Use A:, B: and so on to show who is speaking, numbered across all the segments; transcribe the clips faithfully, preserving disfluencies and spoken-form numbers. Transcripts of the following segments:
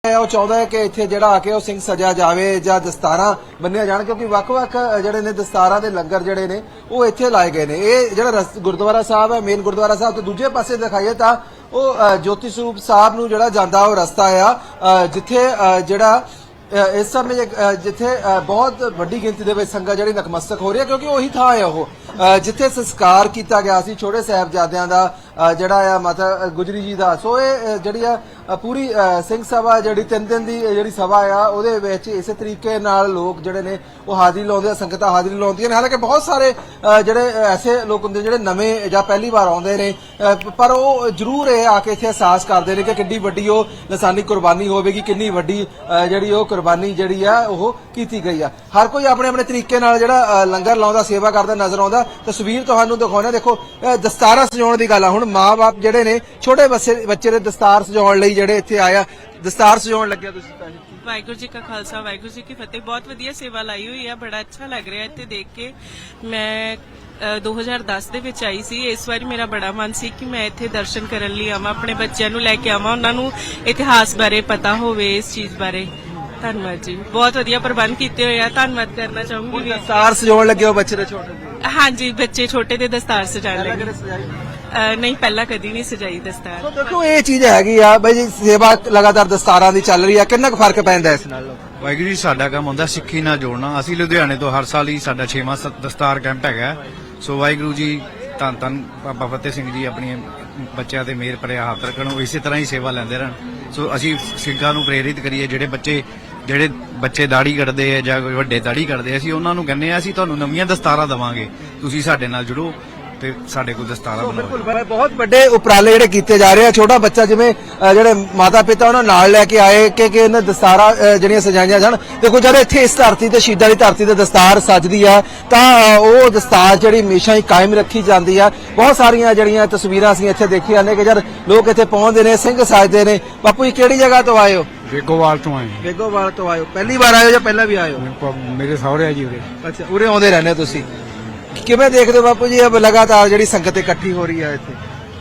A: ਉਹ ਚਾਹੁੰਦਾ ਹੈ ਕਿ ਇੱਥੇ ਜਿਹੜਾ ਆ ਕੇ ਉਹ ਸਿੰਘ ਸਜਿਆ ਜਾਵੇ ਜਾਂ ਦਸਤਾਰਾਂ ਬੰਨਿਆ ਜਾਣ, ਕਿਉਂਕਿ ਵੱਖ-ਵੱਖ ਜਿਹੜੇ ਨੇ ਦਸਤਾਰਾਂ ਦੇ ਲੰਗਰ ਜਿਹੜੇ ਨੇ ਉਹ ਇੱਥੇ ਲਾਏ ਗਏ ਨੇ। ਇਹ ਜਿਹੜਾ ਗੁਰਦੁਆਰਾ ਸਾਹਿਬ ਹੈ, ਮੇਨ ਗੁਰਦੁਆਰਾ ਸਾਹਿਬ ਤੋਂ ਦੂਜੇ ਪਾਸੇ ਦਿਖਾਈਏ ਤਾਂ ਉਹ ਜੋਤੀ ਸਰੂਪ ਸਾਹਿਬ ਨੂੰ ਜਿਹੜਾ ਜਾਂਦਾ ਉਹ ਰਸਤਾ ਆ, ਜਿੱਥੇ ਜਿਹੜਾ ਇਸ ਸਮੇਂ ਜਿੱਥੇ ਬਹੁਤ ਵੱਡੀ ਗਿਣਤੀ ਦੇ ਵਿੱਚ ਸੰਗਤ ਜਿਹੜੀ ਨਤਮਸਤਕ ਹੋ ਰਹੀ ਹੈ, ਕਿਉਂਕਿ ਉਹੀ ਥਾਂ ਹੈ ਉਹ ਜਿੱਥੇ ਸੰਸਕਾਰ ਕੀਤਾ ਗਿਆ ਸੀ ਛੋਟੇ ਸਾਹਿਬਜ਼ਾਦਿਆਂ ਦਾ ਜਿਹੜਾ ਆ ਮਾਤਾ ਗੁਜਰੀ ਜੀ ਦਾ। ਸੋ ਇਹ ਜਿਹੜੀ ਆ ਪੂਰੀ ਸਿੰਘ ਸਭਾ ਜਿਹੜੀ ਤਿੰਨ ਦਿਨ ਦੀ ਜਿਹੜੀ ਸਭਾ ਆ ਉਹਦੇ ਵਿੱਚ ਇਸੇ ਤਰੀਕੇ ਨਾਲ ਲੋਕ ਜਿਹੜੇ ਨੇ ਉਹ ਹਾਜ਼ਰੀ ਲਾਉਂਦੇ ਆ, ਸੰਗਤਾਂ ਹਾਜ਼ਰੀ ਲਾਉਂਦੀਆਂ ਨੇ। ਹਾਲਾਂਕਿ ਬਹੁਤ ਸਾਰੇ ਜਿਹੜੇ ਐਸੇ ਲੋਕ ਹੁੰਦੇ ਜਿਹੜੇ ਨਵੇਂ ਜਾਂ ਪਹਿਲੀ ਵਾਰ ਆਉਂਦੇ ਨੇ, ਪਰ ਉਹ ਜ਼ਰੂਰ ਇਹ ਆ ਕੇ ਇੱਥੇ ਅਹਿਸਾਸ ਕਰਦੇ ਨੇ ਕਿ ਕਿੰਨੀ ਵੱਡੀ ਉਹ ਲਸਾਨੀ ਕੁਰਬਾਨੀ ਹੋਵੇਗੀ, ਕਿੰਨੀ ਵੱਡੀ ਜਿਹੜੀ ਉਹ ਕੁਰਬਾਨੀ ਜਿਹੜੀ ਆ ਉਹ ਕੀਤੀ ਗਈ ਆ। ਹਰ ਕੋਈ ਆਪਣੇ ਆਪਣੇ ਤਰੀਕੇ ਨਾਲ ਜਿਹੜਾ ਲੰਗਰ ਲਾਉਂਦਾ, ਸੇਵਾ ਕਰਦਾ ਨਜ਼ਰ ਆਉਂਦਾ। ਤਸਵੀਰ ਤੁਹਾਨੂੰ ਦਿਖਾਉਣਾ, ਦੇਖੋ ਦਸਤਾਰਾਂ ਸਜਾਉਣ ਦੀ ਗੱਲ ਆ। ਹੁਣ ਮਾਂ ਬਾਪ ਜਿਹੜੇ ਨੇ ਛੋਟੇ ਬੱਚੇ ਦੇ ਦਸਤਾਰ ਸਜਾਉਣ ਲਈ ਜਿਹੜੇ ਇੱਥੇ ਆਇਆ, ਦਸਤਾਰ ਸਜਾਉਣ ਲੱਗਿਆ ਤੁਸੀਂ ਤਾਂ।
B: ਵਾਹਿਗੁਰੂ ਜੀ ਕਾ ਖਾਲਸਾ ਵਾਹਿਗੁਰੂ ਜੀ ਕੀ ਫਤਿਹ। ਬਹੁਤ ਵਧੀਆ ਸੇਵਾ ਲਾਈ ਹੋਈ ਆ, ਬੜਾ ਅੱਛਾ ਲੱਗ ਰਿਹਾ ਇੱਥੇ ਦੇਖ ਕੇ। ਮੈਂ ਦੋ ਹਜ਼ਾਰ ਦਸ ਦੇ ਵਿੱਚ ਆਈ ਸੀ, ਇਸ ਵਾਰੀ ਮੇਰਾ ਬੜਾ ਮਨ ਸੀ ਕਿ ਮੈਂ ਇੱਥੇ ਦਰਸ਼ਨ ਕਰਨ ਲਈ ਆਵਾਂ, ਆਪਣੇ ਬੱਚਿਆਂ ਨੂੰ ਲੈ ਕੇ ਆਵਾਂ, ਉਹਨਾਂ ਨੂੰ ਇਤਿਹਾਸ ਬਾਰੇ ਪਤਾ ਹੋਵੇ, ਇਸ ਚੀਜ਼ ਬਾਰੇ। ਧੰਨਵਾਦ ਜੀ, ਬਹੁਤ ਵਧੀਆ ਪ੍ਰਬੰਧ ਕੀਤੇ ਹੋਏ ਆ। ਧੰਨਵਾਦ ਕਰਨਾ ਚਾਹੂੰਗੀ।
A: ਦਸਤਾਰ ਸਜਾਉਣ ਲੱਗੇ ਹੋ ਬੱਚੇ ਦੇ ਛੋਟੇ?
B: ਹਾਂਜੀ, ਬੱਚੇ ਛੋਟੇ ਦੇ ਦਸਤਾਰ ਸਜਾਉਣ ਲੱਗੇ। ਨਹੀਂ, ਪਹਿਲਾਂ ਕਦੀ ਨਹੀਂ ਸਜਾਈ ਦਸਤਾਰ।
A: ਦੇਖੋ ਇਹ ਚੀਜ਼ ਹੈਗੀ ਆ ਬਈ ਜੀ, ਸੇਵਾ ਲਗਾਤਾਰ ਦਸਤਾਰਾਂ ਦੀ ਚੱਲ ਰਹੀ ਆ, ਕਿੰਨਾ ਕੁ ਫਰਕ ਪੈਂਦਾ ਇਸ ਨਾਲ?
C: ਵਾਹਿਗੁਰੂ ਜੀ, ਸਾਡਾ ਕੰਮ ਹੁੰਦਾ ਸਿੱਖੀ ਨਾਲ ਜੋੜਨਾ। ਅਸੀਂ ਲੁਧਿਆਣੇ ਤੋਂ ਹਰ ਸਾਲ ਹੀ ਸਾਡਾ ਛੇਵਾਂ ਦਸਤਾਰ ਕੈਂਪ ਹੈਗਾ। ਸੋ ਵਾਹਿਗੁਰੂ ਜੀ ਧੰਨ ਧੰਨ ਬਾਬਾ ਫਤਿਹ ਸਿੰਘ ਜੀ ਆਪਣੀ ਬੱਚਿਆਂ ਤੇ ਮਿਹਰ ਭਰਿਆ ਹੱਥ ਰੱਖਣ, ਉਹ ਇਸੇ ਤਰ੍ਹਾਂ ਹੀ ਸੇਵਾ ਲੈਂਦੇ ਰਹਿਣ। ਸੋ ਅਸੀਂ ਸਿੰਘਾਂ ਨੂੰ ਪ੍ਰੇਰਿਤ ਕਰੀਏ, ਜਿਹੜੇ ਬੱਚੇ ਜਿਹੜੇ ਬੱਚੇ ਦਾੜੀ ਕੱਢਦੇ ਆ ਜਾਂ ਵੱਡੇ ਦਾੜੀ ਕੱਢਦੇ, ਅਸੀਂ ਉਹਨਾਂ ਨੂੰ ਕਹਿੰਦੇ ਆ ਅਸੀਂ ਤੁਹਾਨੂੰ ਨਵੀਆਂ ਦਸਤਾਰਾਂ ਦੇਵਾਂਗੇ, ਤੁਸੀਂ ਸਾਡੇ ਨਾਲ ਜੁੜੋ ਤੇ ਸਾਡੇ ਕੋਲ ਦਸਤਾਰਾਂ ਬਣਾਓ।
A: ਬਿਲਕੁਲ, ਬਹੁਤ ਵੱਡੇ ਉਪਰਾਲੇ ਜਿਹੜੇ ਕੀਤੇ ਜਾ ਰਹੇ ਆ। ਛੋਟਾ ਬੱਚਾ ਜਿਵੇਂ ਜਿਹੜੇ ਮਾਤਾ ਪਿਤਾ ਉਹਨਾਂ ਨਾਲ ਲੈ ਕੇ ਆਏ ਕਿ ਕਿ ਇਹਨਾਂ ਦਸਤਾਰਾਂ ਜਿਹੜੀਆਂ ਸਜਾਈਆਂ ਜਾਣ। ਦੇਖੋ ਜਦੋਂ ਇੱਥੇ ਇਸ ਧਰਤੀ ਤੇ ਸ਼ਹੀਦਾਂ ਦੀ ਧਰਤੀ ਤੇ ਦਸਤਾਰ ਸਜਦੀ ਆ ਤਾਂ ਉਹ ਦਸਤਾਰ ਜਿਹੜੀ ਹਮੇਸ਼ਾ ਹੀ ਕਾਇਮ ਰੱਖੀ ਜਾਂਦੀ ਆ। ਬਹੁਤ ਸਾਰੀਆਂ ਜਿਹੜੀਆਂ ਤਸਵੀਰਾਂ ਅਸੀਂ ਇੱਥੇ ਦੇਖੀਆਂ ਨੇ ਕਿ ਜਦ ਲੋਕ ਇੱਥੇ ਪਹੁੰਚਦੇ ਨੇ, ਸਿੰਘ ਸਜਦੇ ਨੇ। ਬਾਪੂ ਜੀ ਕਿਹੜੀ ਜਗ੍ਹਾ ਤੋਂ ਆਏ ਹੋ?
D: ਬੇਗੋਵਾਲ ਤੋਂ ਆਏ।
A: ਬੇਗੋਵਾਲ ਤੋਂ ਆਏ ਹੋ? ਪਹਿਲੀ ਵਾਰ ਆਏ ਹੋ ਜਾਂ ਪਹਿਲਾਂ ਵੀ ਆਏ ਹੋ?
D: ਮੇਰੇ ਸਹੁਰੇ ਆ ਜੀ ਉਰੇ।
A: ਅੱਛਾ, ਉਰੇ ਆਉਂਦੇ ਰਹਿੰਦੇ ਤੁਸੀਂ। ਕਿਵੇਂ ਦੇਖਦੇ ਹੋ ਬਾਪੂ ਜੀ, ਲਗਾਤਾਰ ਜਿਹੜੀ ਸੰਗਤ ਇਕੱਠੀ ਹੋ ਰਹੀ ਹੈ ਇੱਥੇ?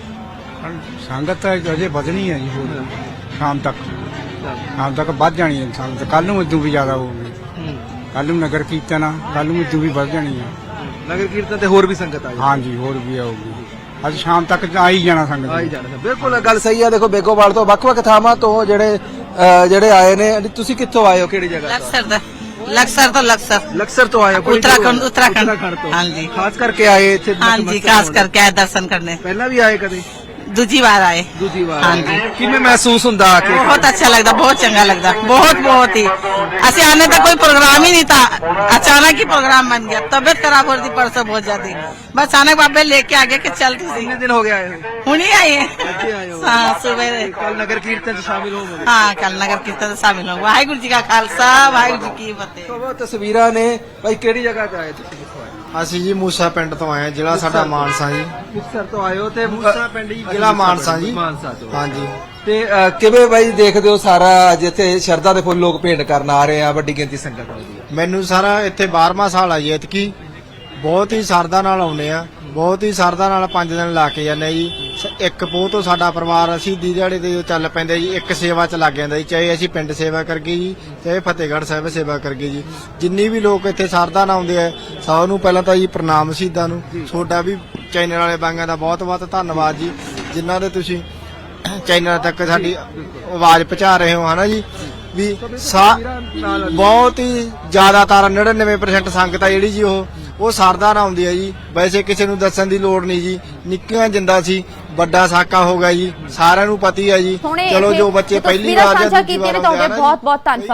D: ਸੰਗਤ ਅਜੇ ਵਧਣੀ ਹੈ ਜੀ, ਹੋਰ ਸ਼ਾਮ ਤੱਕ ਸ਼ਾਮ ਤੱਕ ਵੱਧ ਜਾਣੀ ਹੈ ਸੰਗਤ। ਕੱਲ ਨੂੰ ਇਦੋਂ ਵੀ ਜ਼ਿਆਦਾ ਹੋਊਗੀ। ਕੱਲ ਨੂੰ ਨਗਰ ਕੀਰਤਨ ਆ, ਕੱਲ ਨੂੰ ਇਦੋਂ ਵੀ ਵੱਧ ਜਾਣੀ ਆ
A: ਨਗਰ ਕੀਰਤਨ ਤੇ ਹੋਰ ਵੀ ਸੰਗਤ ਆਈ?
D: ਹਾਂਜੀ, ਹੋਰ ਵੀ ਆਊਗੀ। ਅੱਜ ਸ਼ਾਮ ਤੱਕ ਆ ਹੀ ਜਾਣਾ ਸੰਗਤ,
A: ਆ ਹੀ ਜਾਣਾ। ਬਿਲਕੁਲ ਗੱਲ ਸਹੀ ਆ। ਦੇਖੋ ਬੇਗੋਵਾਲ ਤੋਂ ਵੱਖ-ਵੱਖ ਥਾਵਾਂ ਤੋਂ ਜਿਹੜੇ ਜਿਹੜੇ ਆਏ ਨੇ। ਤੁਸੀਂ ਕਿੱਥੋਂ ਆਏ ਹੋ, ਕਿਹੜੀ ਜਗ੍ਹਾ?
E: ਲਕਸਰ ਦਾ। ਲਕਸਰ ਤੋਂ ਲਕਸਰ
A: ਲਕਸਰ ਤੋਂ ਆਏ ਹੋ?
E: उत्तराखंड उत्तराखंड
A: ਤੋਂ?
E: ਹਾਂਜੀ,
A: ਖਾਸ ਕਰਕੇ ਆਏ ਇੱਥੇ?
E: ਹਾਂਜੀ, ਖਾਸ ਕਰਕੇ ਆਏ ਦਰਸ਼ਨ करने।
A: ਪਹਿਲਾਂ ਵੀ ਆਏ ਕਦੇ?
E: दूजी बार आए।
A: ਦੂਜੀ ਵਾਰ?
E: ਹਾਂਜੀ।
A: ਕਿਵੇਂ ਮਹਿਸੂਸ ਹੁੰਦਾ ਆ ਕੇ?
E: बहुत अच्छा लगता, बहुत चंगा लगता, बहुत बहुत ही। असि आने तक कोई प्रोग्राम ही नहीं था, अचानक ही प्रोग्राम बन गया। तबियत खराब हो रही थी परसों बहुत ज्यादा, बस अचानक बाबे लेके आगे के चल तुसी।
A: कितने दिन हो गए आए हो?
E: हुनी आई है।
A: अच्छे आए हो?
E: हाँ, सुबह।
A: कल नगर कीर्तन से शामिल होंगे?
E: हाँ, कल नगर कीर्तन से शामिल होंगे। वाहिगुरु जी का खालसा, वाहिगुरु जी की फतेह।
A: तो वो तस्वीरां ने भाई ਕਿਹੜੀ ਜਗ੍ਹਾ ਤੇ ਆਏ ਤੁਸੀਂ?
F: ਅਸੀਂ ਜੀ ਮੂਸਾ ਪਿੰਡ ਤੋਂ ਆਏ ਹਾਂ, ਜ਼ਿਲ੍ਹਾ ਸਾਡਾ ਮਾਨਸਾ ਜੀ।
A: ਮੁਕਤਸਰ ਤੋਂ ਆਏ ਹੋ ਤੇ ਮੂਸਾ ਪਿੰਡ ਜੀ,
F: ਜ਼ਿਲ੍ਹਾ ਮਾਨਸਾ ਜੀ।
A: ਮਾਨਸਾ ਤੋਂ?
F: ਹਾਂਜੀ।
A: ਤੇ ਕਿਵੇਂ ਬਾਈ ਦੇਖਦੇ ਹੋ ਸਾਰਾ ਜਿੱਥੇ ਸ਼ਰਧਾ ਦੇ ਫੁੱਲ ਲੋਕ ਭੇਂਟ ਕਰਨ ਆ ਰਹੇ ਆ, ਵੱਡੀ ਗਿਣਤੀ ਸੰਗਤ ਆਉਂਦੀ ਹੈ?
F: ਮੈਨੂੰ ਸਾਰਾ ਇੱਥੇ ਬਾਰਵਾਂ ਸਾਲ ਆ ਜੀ ਐਤਕੀ। ਬਹੁਤ ਹੀ ਸਰਦਾ ਨਾਲ ਆਉਂਦੇ ਆ, ਬਹੁਤ ਹੀ ਸਰਦਾ ਨਾਲ ਪੰਜ ਦਿਨ ਲਾ ਕੇ ਜਾਂਦੇ ਜੀ। ਇੱਕ ਪੋਹ ਤੋਂ ਸਾਡਾ ਪਰਿਵਾਰ ਅਸੀਂ ਦੀ ਦਿਹਾੜੇ ਤੇ ਚੱਲ ਪੈਂਦੇ ਜੀ, ਇੱਕ ਸੇਵਾ ਚ ਲੱਗ ਜਾਂਦਾ ਜੀ। ਚਾਹੇ ਅਸੀਂ ਪਿੰਡ ਸੇਵਾ ਕਰਗੇ ਜੀ, ਚਾਹੇ ਫਤਿਹਗੜ੍ਹ ਸਾਹਿਬ ਸੇਵਾ ਕਰਗੇ ਜੀ। ਜਿੰਨੀ ਵੀ ਲੋਕ ਇੱਥੇ ਸਰਦਾ ਨਾਲ ਆਉਂਦੇ ਆ, ਸਭ ਨੂੰ ਪਹਿਲਾਂ ਤਾਂ ਜੀ ਪ੍ਰਣਾਮ ਸ਼ਹੀਦਾਂ ਨੂੰ। ਤੁਹਾਡਾ ਵੀ ਚੈਨਲ ਵਾਲੇ ਬਾਂਗਾਂ ਦਾ ਬਹੁਤ ਬਹੁਤ ਧੰਨਵਾਦ ਜੀ, ਜਿਨ੍ਹਾਂ ਦੇ ਤੁਸੀਂ ਚੈਨਲ ਤੱਕ ਸਾਡੀ ਆਵਾਜ਼ ਪਹੁੰਚਾ ਰਹੇ ਹੋ, ਹਨਾ ਜੀ। ਵੀ ਬਹੁਤ ਹੀ ਜ਼ਿਆਦਾਤਰ ਨੜਿਨਵੇਂ ਪ੍ਰਸੈਂਟ ਸੰਗਤ ਆ ਜਿਹੜੀ ਜੀ ਉਹ ਉਹ ਸਰਦਾ ਨਾਲ ਆਉਂਦੀ ਹੈ ਜੀ। ਵੈਸੇ ਕਿਸੇ ਨੂੰ ਦੱਸਣ ਦੀ ਲੋੜ ਨਹੀਂ ਜੀ, ਨਿੱਕੀਆਂ ਜਿੰਦਾ ਸੀ ਵੱਡਾ ਸਾਕਾ ਹੋ ਗਿਆ ਜੀ, ਸਾਰਿਆਂ ਨੂੰ ਪਤਾ ਹੀ ਹੈ ਜੀ। ਚਲੋ ਜੋ ਬੱਚੇ ਪਹਿਲੀ ਵਾਰ ਜਾਂ ਦੂਜੀ ਵਾਰ ਆਉਂਦੇ ਆ,
G: ਬਹੁਤ ਬਹੁਤ ਧੰਨਵਾਦ।